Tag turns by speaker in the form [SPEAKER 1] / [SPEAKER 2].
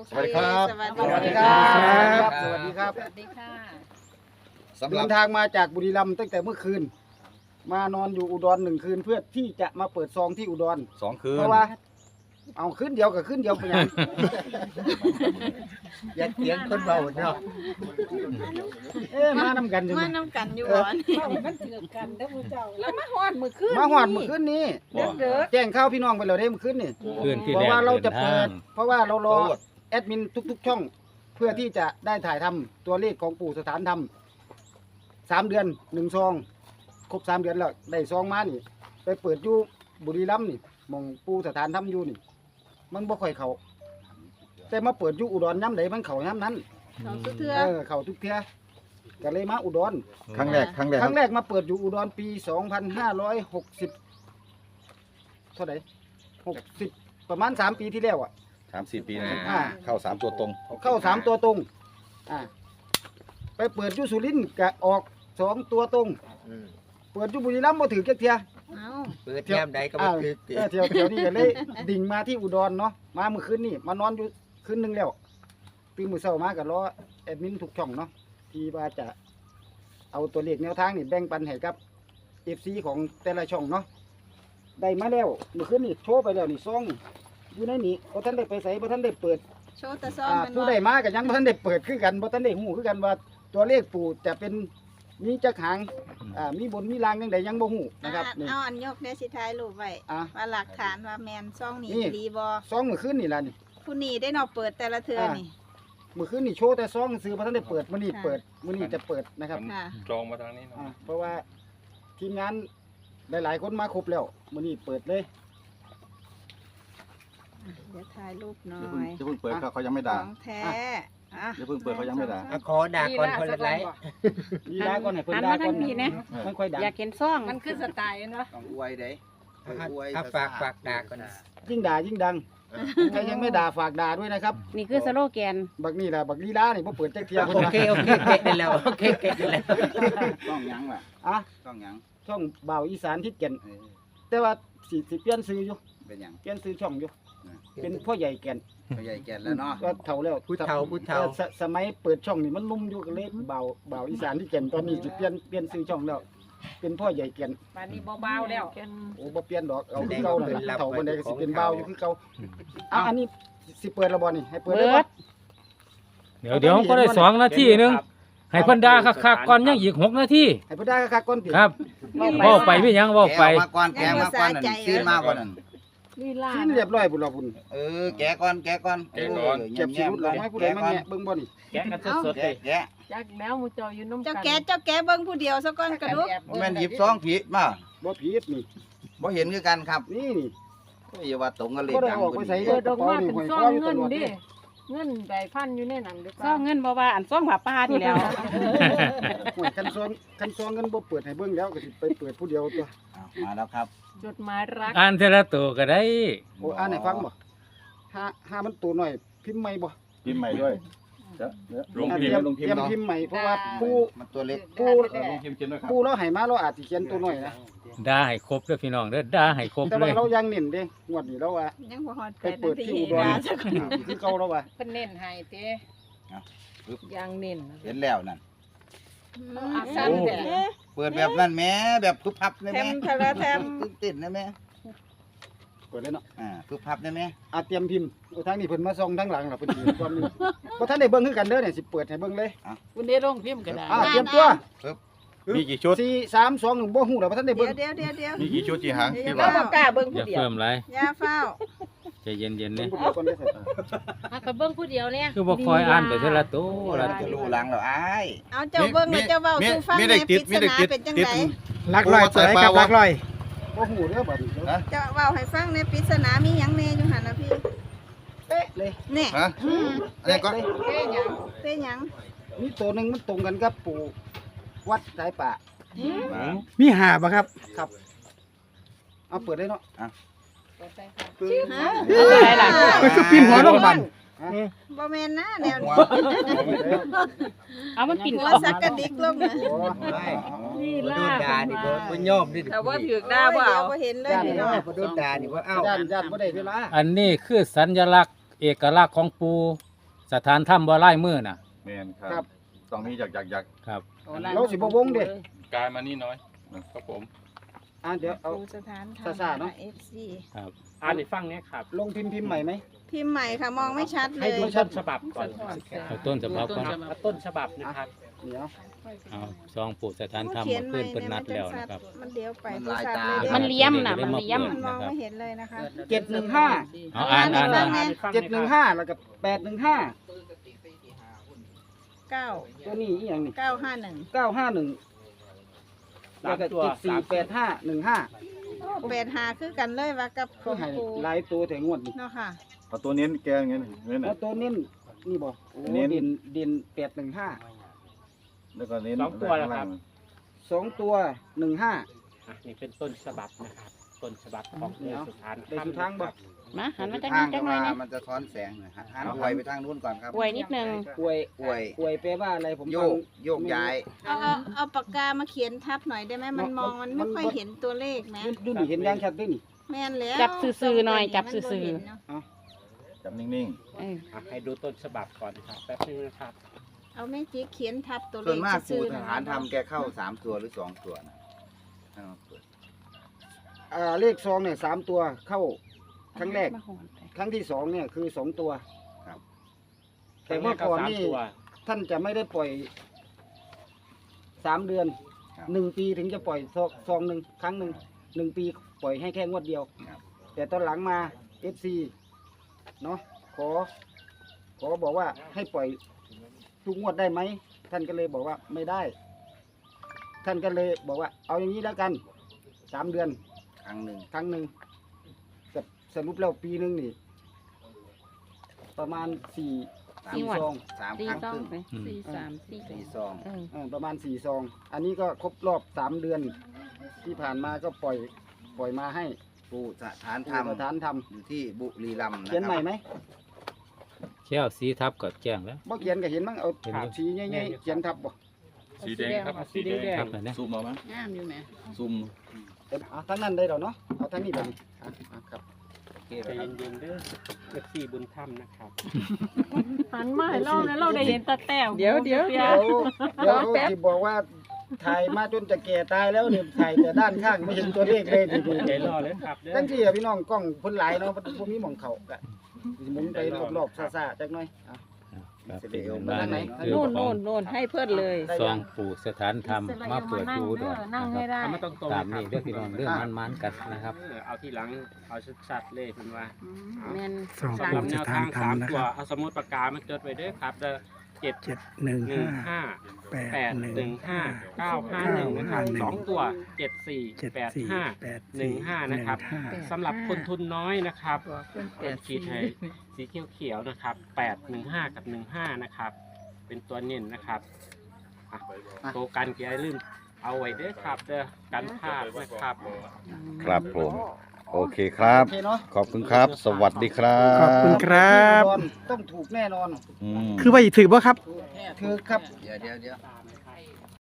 [SPEAKER 1] สวัสดีครับ
[SPEAKER 2] สวัสดีครับ
[SPEAKER 1] สวัสดีครับ
[SPEAKER 2] สวัสดีค่ะ
[SPEAKER 1] สำห
[SPEAKER 3] เดิ
[SPEAKER 1] รับ
[SPEAKER 3] นทางมาจากบุรีรัมย์ตั้งแต่เมื่อคืน มานอนอยู่อุดร1 คืนเพื่อที่จะมาเปิดซองที่อุดร
[SPEAKER 1] 2 คืน
[SPEAKER 3] เพราะว่าเอาคืนเดียวกับคืนเดียวไปยัง
[SPEAKER 4] อยากเสียงคนเบาเนาะ
[SPEAKER 3] มานำกันอยู่
[SPEAKER 2] มา
[SPEAKER 3] นะ
[SPEAKER 2] น้ำกันอยู่บ่นี่
[SPEAKER 5] มันถือกันเด้อผู้เจ้า
[SPEAKER 2] แล้วมาฮอดมื้อคืน
[SPEAKER 3] มาหอดเมื่อคืนนี้
[SPEAKER 2] เด้อ
[SPEAKER 3] แจ้งข่าวพี่น้องไปแล้วได้เมื่อคืนนี่
[SPEAKER 6] คืนที่
[SPEAKER 3] เพ
[SPEAKER 6] แร
[SPEAKER 3] ราะ
[SPEAKER 6] ก
[SPEAKER 3] ว่าเรา
[SPEAKER 6] เดิ
[SPEAKER 3] จะ
[SPEAKER 6] น
[SPEAKER 3] เปิ
[SPEAKER 6] ทา
[SPEAKER 3] ด
[SPEAKER 6] ง
[SPEAKER 3] เพราะว่าเรารอแอดมินทุกๆช่อง เพื่อที่จะได้ถ่ายทำตัวเลขของปู่สถานธรรม3 เดือน1 ซองครบ3 เดือนแล้วได้ซองมานี่ ไปเปิดอยู่บุรีรัมย์นี่หมองปู่สถานธรรมอยู่นี่ มันบ่ค่อยเข้าแต่มาเปิดอยู่อุดรย่ำใดมันเข้าย่ำนั้น
[SPEAKER 2] เขาสุดเทื่อ
[SPEAKER 3] เข้าทุกเทื่อก็เลยมาอุดร
[SPEAKER 1] ครั้งแรก
[SPEAKER 3] ครั้งแรกมาเปิดอยู่อุดรปี 2560เท่าไหร่60 ประมาณ 3 ปีที่แล้วอ่ะ
[SPEAKER 1] 3-4 ปีนะ
[SPEAKER 3] อ่า
[SPEAKER 1] เข้า 3 ตัวตรง
[SPEAKER 3] เข้า 3 ตัวตรงไปเปิดอยู่สุรินทร์ก็ออก 2 ตัวตรง เปิดอยู่บุรีรัมย์บ่ถือจักเที่ย
[SPEAKER 2] เอ้า
[SPEAKER 4] เปิดแก้มใดก็บ่คือติ
[SPEAKER 3] เที่ยวนี้ก็เลย ดิ่งมาที่อุดรเนาะมาเมื่อคืนนี่มานอนอยู่คืนหนึงแล้วตื่นมื้อเช้ามาก็รอแอดมินทุกช่องเนาะที่ว่าจะเอาตัวเลขแนวทางนี่แบ่งปันให้กับ FC ของแต่ละช่องเนาะได้มาแล้วเมื่อคืนนี่โชว์ไปแล้วนี่ซองอยู่ในนี้บ่ทันได้ไปไสบ่ทันได้เปิด
[SPEAKER 2] โชว์แตะซองเป็น
[SPEAKER 3] ผู้
[SPEAKER 2] บ่
[SPEAKER 3] ได้มาก็ยังบ่ทันได้เปิดคือกันบ่ทันได้ฮู้คือกันว่าตัวเลขปู่จะเป็นมีจักหางมีบนมีล่างจังใดยังบ่ฮู้นะครับนี่
[SPEAKER 2] เอาอันยกเดี๋ยวสิถ่ายรูปไว้
[SPEAKER 3] อ่ะ
[SPEAKER 2] ว่าหลักฐานว่าแม่นซองนี้
[SPEAKER 3] นี่
[SPEAKER 2] ดีบ่
[SPEAKER 3] ซองมื้อคืนนี่ล่ะนี่
[SPEAKER 2] ผู้นี้ได้เนาะเปิดแต่ละเทื่อนี่
[SPEAKER 3] มื้อคืนนี่โชว์แต่ซองซื้อบ่ทันได้เปิดมื้อนี้
[SPEAKER 2] ค่ะ
[SPEAKER 3] เปิดมื้อนี้จะเปิดนะครับ
[SPEAKER 2] ค่ะ
[SPEAKER 6] จองมาทางนี้เนาะ
[SPEAKER 3] เพราะว่าทีมงานหลายๆคนมาครบแล้วมื้อนี้เปิดเลย
[SPEAKER 2] เดี๋ยวถ่ายรูปหน่อ
[SPEAKER 1] อย่าย เพิ่งเปิดเขายังไม่ด่า
[SPEAKER 2] ของแท้อ่ะ
[SPEAKER 1] อย่าเพิ่งเปิดเขายังไม่ด่า
[SPEAKER 4] เอาขอด่าก่อนคนละไลค์
[SPEAKER 3] ลีลาก่อนให้เพิ่นด่าก่อน มันค่อยดัง
[SPEAKER 5] อยากเห็นซ่อง
[SPEAKER 2] มันคือสไตล์เนาะ
[SPEAKER 7] ต้องอวยเด้
[SPEAKER 4] ถ้าฝากด่าก่อน
[SPEAKER 3] ยิ่งด่ายิ่งดังใครยังไม่ด่าฝากด่าด้วยนะครับ
[SPEAKER 5] นี่คือสโลแกน
[SPEAKER 3] บักนี่ล่ะบักลีลานี่บ่เปิดจักเที่ย
[SPEAKER 4] โอ
[SPEAKER 3] เพิ่นว่า
[SPEAKER 4] เคเก็ตได้แล้วโอเคเก็ตได้แล้ว
[SPEAKER 7] ต้องหยังล่ะ
[SPEAKER 3] อ่ะ
[SPEAKER 7] ต้องหยัง
[SPEAKER 3] ช่องบ่าวอีสานทิศแก่น
[SPEAKER 7] เออ
[SPEAKER 3] แต่ว่าสิเปลี่ยนชื่ออยู่
[SPEAKER 7] เป็นหยัง
[SPEAKER 3] เปลี่ยนชื่อช่องอยู่ เป็นพ่อใหญ่แก่น
[SPEAKER 7] พ่อใหญ่แก่นแล้วเนาะ
[SPEAKER 3] ก็เฒ่าแล้ว
[SPEAKER 4] ผู้เฒ่า
[SPEAKER 3] สมัยเปิดช่องนี่มันนุ่มอยู่ก็เลยบ่าวอีสานทิศแก่นตอนนี้สิเปลี่ยนชื่อช่องแล้ว เป็นพ่อใหญ่แก่น
[SPEAKER 5] ป่านนี้เบาๆแล้ว
[SPEAKER 3] โอ้บ่เปลี่ยนดอกเอาคือเก่านั่นล่ะเฒ่าบ่ได้ก็สิเป็นบ่าวอยู่คือเก่าอ้าวอันนี้สิเปิดแล้วบ่นี่ให้เปิดได้บ่
[SPEAKER 6] เดี๋ยวก็ได้2 นาทีนึงให้เพิ่นด่าคักๆก่อนยังอีก6 นาที
[SPEAKER 3] ให้เพิ่นได้คักๆก่อนติ
[SPEAKER 6] ครับเว้าไปมีหยังเว้าไป
[SPEAKER 7] แกะมาก่อนแกะมาก่อนนั่นซีนมาก่อนนั่น
[SPEAKER 5] ลีลา
[SPEAKER 3] สิ้นเรียบร้อยพุ่นล่ะพุ่น
[SPEAKER 7] แกะก่อนแกะก่อน
[SPEAKER 6] แกะก่อน
[SPEAKER 3] เก็บสิรุดแล้วให้ผู้ใดมาแงะเบิ่งบ่นี่
[SPEAKER 6] แกะกันสดๆเลย
[SPEAKER 7] แกะ
[SPEAKER 5] จักแล้วหมูเจ้าอยู่น้ำกั
[SPEAKER 2] เจ้าแกะเบิ่งผู้เดียวซะก่อนกระดูก
[SPEAKER 7] แม่นหยิบซองผิดมา
[SPEAKER 3] บ่ผิดนี่
[SPEAKER 7] บ่เห็นคือกันครับ
[SPEAKER 3] นี่
[SPEAKER 7] อย่าว่าตรงกันเลย
[SPEAKER 3] บ่ได้
[SPEAKER 7] ดัง
[SPEAKER 3] ออกไปใส่
[SPEAKER 5] เปิดออกมาเป็นซ่องเงินดิ
[SPEAKER 3] เ
[SPEAKER 5] เงินใบพันอยู่ในนั้นหรือเป
[SPEAKER 8] ซ่อ
[SPEAKER 5] ล่าง
[SPEAKER 8] เงินบ่ว่าอันซ่องหมาป่านี่แหล้ว
[SPEAKER 3] หวยคันซองเงินบ่เปิดให้เบิ่งแล้วก็สิไปเปิดผู้เดียวตัว
[SPEAKER 7] อ้าวมาแล้วครับ
[SPEAKER 5] จดหมายรัก
[SPEAKER 6] อ่านเทละตัวก็ได้
[SPEAKER 3] โอ้อ่านให้ฟังบ่หามันตัวหน่อยพิมพ์ใหม่บ่
[SPEAKER 1] พิมพ์ใหม่ด้วย
[SPEAKER 6] ลง
[SPEAKER 3] อ่ะ
[SPEAKER 6] พิมพ์
[SPEAKER 3] เตรียมพิมพ์ใหม่เพราะว่าผู้
[SPEAKER 7] มันตัวเล็ก
[SPEAKER 3] ผู้
[SPEAKER 1] ลงพิมพ์เขียนด้วยครับ
[SPEAKER 3] ผู้เราให้มาเราอาจสิเขียนตัวหน่อยนะ
[SPEAKER 6] ด่าให้ครบเด้อพี่น้องเด้อด่าให้ครบ
[SPEAKER 3] แต่
[SPEAKER 6] เล
[SPEAKER 3] ว่าย เรายังเน้นเด้งวดนี้เราว่า
[SPEAKER 2] ยังบ่ฮอด
[SPEAKER 3] ไปเปิดที่อุดร
[SPEAKER 2] นะซะก่อน
[SPEAKER 3] คือเก่าแล้วว่า
[SPEAKER 5] เพิ่นเน้นให้เต้ยังเน้น
[SPEAKER 7] เห็นแล้วนั่น
[SPEAKER 5] อักษรแต่
[SPEAKER 7] เปิดแบบนั้นแหม่แบบทุบพับได้
[SPEAKER 2] แถ
[SPEAKER 7] ไหม
[SPEAKER 2] มทะละแถม
[SPEAKER 7] ติดได้ไหม
[SPEAKER 3] เปิดเลยเนาะ
[SPEAKER 7] ทุบพับได้ไหม
[SPEAKER 3] เตรียมพิมพ์โอ้ทางนี้เพิ่นมาส่องทางหลังล่ะเพิ่นสิความนี้บ่ทันได้เบิ่งคือกันเด้อเนี่ยสิเปิดให้เบิ่งเลย
[SPEAKER 5] คุณได้ลงพิมพ์ก็ได้
[SPEAKER 3] เตรียมตัว
[SPEAKER 1] มีกี่ชุด
[SPEAKER 3] 4 3 2 1บ่ฮู้แล้วบ่ทันได้
[SPEAKER 2] เดี๋
[SPEAKER 3] เบิ่
[SPEAKER 2] ย
[SPEAKER 3] ง
[SPEAKER 2] วเดี๋ยวเดี๋ยวเดี๋ยว
[SPEAKER 1] มีกี่ชุดกี่หางที่
[SPEAKER 2] เรา
[SPEAKER 1] ว่า
[SPEAKER 2] บ่กล้าเบิ่ง
[SPEAKER 6] อ
[SPEAKER 2] ผู้
[SPEAKER 6] ย่า
[SPEAKER 2] เดียว
[SPEAKER 6] เพิ่มหลาย
[SPEAKER 2] อย่าเฝ้า
[SPEAKER 6] ใจเย็นๆ
[SPEAKER 3] เบิ่
[SPEAKER 6] เนี่
[SPEAKER 3] ง
[SPEAKER 6] ย
[SPEAKER 3] ผู้เดียวก่อนได้อ
[SPEAKER 5] ถ้าก็เบิ่งผู้เดียวเนี่ย
[SPEAKER 6] คือบ่คอยอ่านไปเทละตัว
[SPEAKER 7] เรา
[SPEAKER 6] ละ
[SPEAKER 7] จะรู้หลังแล้วอ้าย
[SPEAKER 2] เอาเจ้าเบิ่งแล้วเจ้าเว้าสู่ฟังแหน่ปริศนาเป็นจังได
[SPEAKER 1] ลักลอยตัวไหนครับลักลอย
[SPEAKER 3] บ่ฮู้เด้อบัดนี้
[SPEAKER 2] เจ้าเว้าให้ฟังแหน่ปริศนามีหยังแน่อยู่หั่นน่ะพี่
[SPEAKER 3] เป๊ะเลย
[SPEAKER 2] แน่
[SPEAKER 7] ฮะอันนี้ก็
[SPEAKER 2] เต้หยังเต้หยัง
[SPEAKER 3] มีตัวหนึงมันตรงกันกับปู่วัดสายป่า
[SPEAKER 4] มีหาบ่ครับ
[SPEAKER 3] ครับเอาเปิดเลยเนาะ
[SPEAKER 2] ฮะ
[SPEAKER 8] อะไรล่ะ
[SPEAKER 4] คือปีนหัวลงบัน
[SPEAKER 2] บ่แม่นนะแนว
[SPEAKER 7] หัว
[SPEAKER 2] นี้
[SPEAKER 8] เอามันปิ่น
[SPEAKER 2] หัว
[SPEAKER 8] ออก
[SPEAKER 2] สักกระดิกลงนะ
[SPEAKER 5] นี่
[SPEAKER 4] บ่
[SPEAKER 5] ล่า
[SPEAKER 4] โดนด่านี่บ่ยอมนี่
[SPEAKER 5] แต่ว่าถือ
[SPEAKER 2] ได้บ่เอาบ่เห็นเลยนี่เนาะ
[SPEAKER 4] บ่โดนด่านี่บ่เอ้า
[SPEAKER 3] ย่านบ่ได้เวลา
[SPEAKER 6] อันนี้คือสัญลักษณ์เอกลักษณ์ของปูสถานถ้ำบ่ลายมือน่ะ
[SPEAKER 1] แมนค
[SPEAKER 3] ครั
[SPEAKER 1] รับ บต้องมีอยาก
[SPEAKER 6] ครับ
[SPEAKER 3] เราสิบ่วงเด้
[SPEAKER 1] กายมานี่น้อยครับผม
[SPEAKER 3] เดี๋ยวเอา
[SPEAKER 2] ปูสถานธรรม
[SPEAKER 3] ซ่าๆเนอะ
[SPEAKER 2] FC
[SPEAKER 6] ครับ
[SPEAKER 4] อ่านให้ฟังเนี่ยครับ
[SPEAKER 3] ลงพิมพ์ใหม่ไหม
[SPEAKER 2] พิมพ์ใหม่ค่ะมองไม่ชัดเล
[SPEAKER 4] ให้
[SPEAKER 2] ย
[SPEAKER 4] ดูต้นฉบับก่อน
[SPEAKER 6] เอาต้นฉบับก่อน
[SPEAKER 4] เอาต้นฉบับนะครับ
[SPEAKER 3] เดี๋ยว
[SPEAKER 6] เอาซองปู่สถานถ้ำ
[SPEAKER 2] เขีย
[SPEAKER 6] มาน
[SPEAKER 2] ให
[SPEAKER 6] ขึ้
[SPEAKER 2] ม่
[SPEAKER 6] นเพิ่นนัดแล้วนะครับ
[SPEAKER 2] มันเดี๋ยวไป
[SPEAKER 7] มันลายตา
[SPEAKER 8] มันเลี้ยมน่ะมันเลี้ยม
[SPEAKER 2] มันมองไม่เห็นเลยนะคะ
[SPEAKER 3] 715
[SPEAKER 6] เอาอ่าน
[SPEAKER 2] ให้ฟังไง
[SPEAKER 3] 715แล้วก็815
[SPEAKER 2] 9
[SPEAKER 3] ตัวนี้อีหยังนี่
[SPEAKER 2] 951
[SPEAKER 3] 951แล้วก็748515
[SPEAKER 2] 85คือกันเลยว่ากับข
[SPEAKER 3] ก็
[SPEAKER 2] อง
[SPEAKER 3] ให้
[SPEAKER 2] ปู
[SPEAKER 3] หลายตัวแต่งวดนี่
[SPEAKER 2] เนาะค่ะ
[SPEAKER 1] เอาตัวเน้นแกอย่างเงี้ยเน้น
[SPEAKER 3] แล้วตัวเน้นนี่บ่โอ้
[SPEAKER 1] เน้น
[SPEAKER 3] เด่น815
[SPEAKER 1] แล้วก็เน้น
[SPEAKER 4] สองตัวแล้วครับ
[SPEAKER 3] 2ตัว15
[SPEAKER 4] นี่เป็นต้นฉบับนะครับ ต้นฉบับของ
[SPEAKER 3] เดี๋ยว
[SPEAKER 4] สถาน
[SPEAKER 3] ได้ทุกทางบ่
[SPEAKER 8] มาหันมาจัง
[SPEAKER 7] ทา
[SPEAKER 8] นี้
[SPEAKER 7] ง
[SPEAKER 8] จั
[SPEAKER 7] ก็
[SPEAKER 8] งหน่อย
[SPEAKER 7] ว่า
[SPEAKER 8] นะ
[SPEAKER 7] มันจะท้อนแสงนะฮะหันปล่อยไปทางนู้นก่อนครับ
[SPEAKER 8] ป่วยนิดนึง
[SPEAKER 3] อวย
[SPEAKER 7] อวย
[SPEAKER 3] อวยแปลว่าอะไรผม
[SPEAKER 7] โย
[SPEAKER 3] ฟัง
[SPEAKER 7] กโยกย้าย
[SPEAKER 2] เอาปากกามาเขียนทับหน่อยได้ไหมมันมองมันไม่ค่อยเห็นตัวเลขนะ
[SPEAKER 3] ดูนี่เห็นอย่างชัดด้วยนี่
[SPEAKER 2] แม่นแล้ว
[SPEAKER 8] จับซื่อๆหน่อยจับซื่อ
[SPEAKER 2] มันบ่เห็นเนาะ
[SPEAKER 1] จับนิ่ง
[SPEAKER 8] เออ
[SPEAKER 4] ให้ดูต้นฉบับก่อนนะครับแป๊บนึงนะครับ
[SPEAKER 2] เอาแม่จิ๊กเขียนทับตัวเล
[SPEAKER 7] ส่วน
[SPEAKER 2] ข
[SPEAKER 7] มาก
[SPEAKER 2] ซื่
[SPEAKER 7] ปู่
[SPEAKER 2] อๆ
[SPEAKER 7] ท
[SPEAKER 2] นะ
[SPEAKER 7] หารทำแกเข้า3ตัวหรือ2ตัวนะ
[SPEAKER 3] เลขซองเนี่ย3ตัวเข้าครั้งแรก
[SPEAKER 8] มาหอนไป
[SPEAKER 3] ครั้งที่2เนี่ยคือ2ตัว
[SPEAKER 7] ครับ
[SPEAKER 3] แต่เมื่อก่อนนี่
[SPEAKER 4] สามตัว
[SPEAKER 3] ท่านจะไม่ได้ปล่อย3 เดือน
[SPEAKER 7] ครับ
[SPEAKER 3] 1 ปีถึงจะปล่อยซองหนึ่งครั้งหนึ่ง1 ปีปล่อยให้แค่งวดเดียว
[SPEAKER 7] ครับ
[SPEAKER 3] แต่ตอนหลังมา FC เนาะขอบอกว่าให้ปล่อยทุกงวดได้ไหมท่านก็เลยบอกว่าไม่ได้ ท่านก็เลยบอกว่าเอาอย่างนี้แล้วกัน3 เดือน
[SPEAKER 7] ครั้งหนึ่ง
[SPEAKER 3] ครั้งหนึ่งแต่สรุปแล้วปีหนึงนี่ ประมาณ4
[SPEAKER 8] งวด
[SPEAKER 3] ซอง
[SPEAKER 7] 3
[SPEAKER 8] สี่
[SPEAKER 7] ครั้ง
[SPEAKER 8] ซอ
[SPEAKER 7] ค
[SPEAKER 8] ง
[SPEAKER 7] รึ่ง
[SPEAKER 8] ไปสี่สามสี่
[SPEAKER 7] 4ซอง
[SPEAKER 8] เออ
[SPEAKER 3] ประมาณ4 ซอง อันนี้ก็ครบรอบ3 เดือน ที่ผ่านมาก็ปล่อยมาให้
[SPEAKER 7] ปู่สถานธร
[SPEAKER 3] ทำ
[SPEAKER 7] รม
[SPEAKER 3] สถานท
[SPEAKER 7] อยู่ที่บุรีรัมย์นะ
[SPEAKER 3] ำเขียน
[SPEAKER 7] ค
[SPEAKER 3] ใหม่
[SPEAKER 7] รับ
[SPEAKER 3] ไหม
[SPEAKER 6] แค่เอาสีทับก็แจ้งแล้ว
[SPEAKER 3] บ่เขียนก็เห็นมั้งเอา
[SPEAKER 6] เห็นอยู่
[SPEAKER 3] สีใหญ่ๆเขียนทับบ่
[SPEAKER 1] ๆสีแดงครับสีแดง
[SPEAKER 6] ครับนะ
[SPEAKER 1] ซูมเอาไหม
[SPEAKER 8] งามอยู่ไหม
[SPEAKER 1] ซูม
[SPEAKER 3] เอาทั้งนั้นได้แล้วเนาะเอาทั้งนี้แบบนี้ครับ
[SPEAKER 4] ใจเย็นๆเด้อเอฟซีบุญธรรมนะครับ
[SPEAKER 5] หันมาให้เรานะเราได้เห็นตาแต้ว
[SPEAKER 8] เดี๋ยว
[SPEAKER 3] เดี๋ยวที่บอกว่าถ่ายมาจนจะแก่ตายแล้วเนี่ยถ่ายแต่ด้านข้างไม่เห็นตัวเลขเลยดู
[SPEAKER 4] ใจรอเลยครับเด้อ
[SPEAKER 3] จังซี่อะพี่น้องกล้องเพิ่นหลายเนาะบ่มีหม่องเข้าก็หมุนไปรอบๆซ่าๆจักหน่อยอ่ะ
[SPEAKER 6] ครับเป็นบ้านนี่คือ
[SPEAKER 8] โน่น
[SPEAKER 6] ขอ
[SPEAKER 8] โน่
[SPEAKER 6] ง
[SPEAKER 8] นโน่นให้เพื่อนเลย
[SPEAKER 6] ซองปู่สถานธรรมมาเปิดดูด้วย
[SPEAKER 5] นั่งให้ได้
[SPEAKER 4] เอามาตรงๆ
[SPEAKER 6] ตาม
[SPEAKER 4] นะ
[SPEAKER 6] นี้
[SPEAKER 4] ค
[SPEAKER 6] เรื่
[SPEAKER 4] รั
[SPEAKER 6] อบ งพี่น้องเรื่องมันๆกันนะครับ
[SPEAKER 4] เอาที่หลังเอาชัดๆเลยคุณว่า
[SPEAKER 8] แม่น
[SPEAKER 9] สอง
[SPEAKER 4] สำห
[SPEAKER 9] ปู่
[SPEAKER 4] รับแน
[SPEAKER 9] ส
[SPEAKER 4] ว
[SPEAKER 9] ถา
[SPEAKER 4] ทาน ง
[SPEAKER 9] ธรร
[SPEAKER 4] สาม ม
[SPEAKER 9] นะ
[SPEAKER 4] ตั
[SPEAKER 9] คว รับ
[SPEAKER 4] เอาสมุดปากกามาจดไว้เด้อครับเด้อ7 1 5
[SPEAKER 9] 715
[SPEAKER 4] 8 1 5 9 5 1นะครับ2ตัว7 4 8 5 1 5นะครับสำหรับคนทุนน้อยนะครับเป็นขีดให้สีเขียวๆนะครับ8 1 5กับ15นะครับเป็นตัวเน้นนะครับอ่ะโตกันอย่าลืมเอาไว้เด้อครับเด้อกันพลาดนะครับ
[SPEAKER 1] ครับผม โอเคครับ
[SPEAKER 3] โอเคเนาะ
[SPEAKER 1] ขอบคุณครับ สวัสดีครับ
[SPEAKER 9] ขอบคุณครับ
[SPEAKER 3] ต้องถูกแน่นอน
[SPEAKER 1] อืม
[SPEAKER 9] คือว่าถือบ่ครับ
[SPEAKER 3] ถือครับ
[SPEAKER 7] เดี๋ยว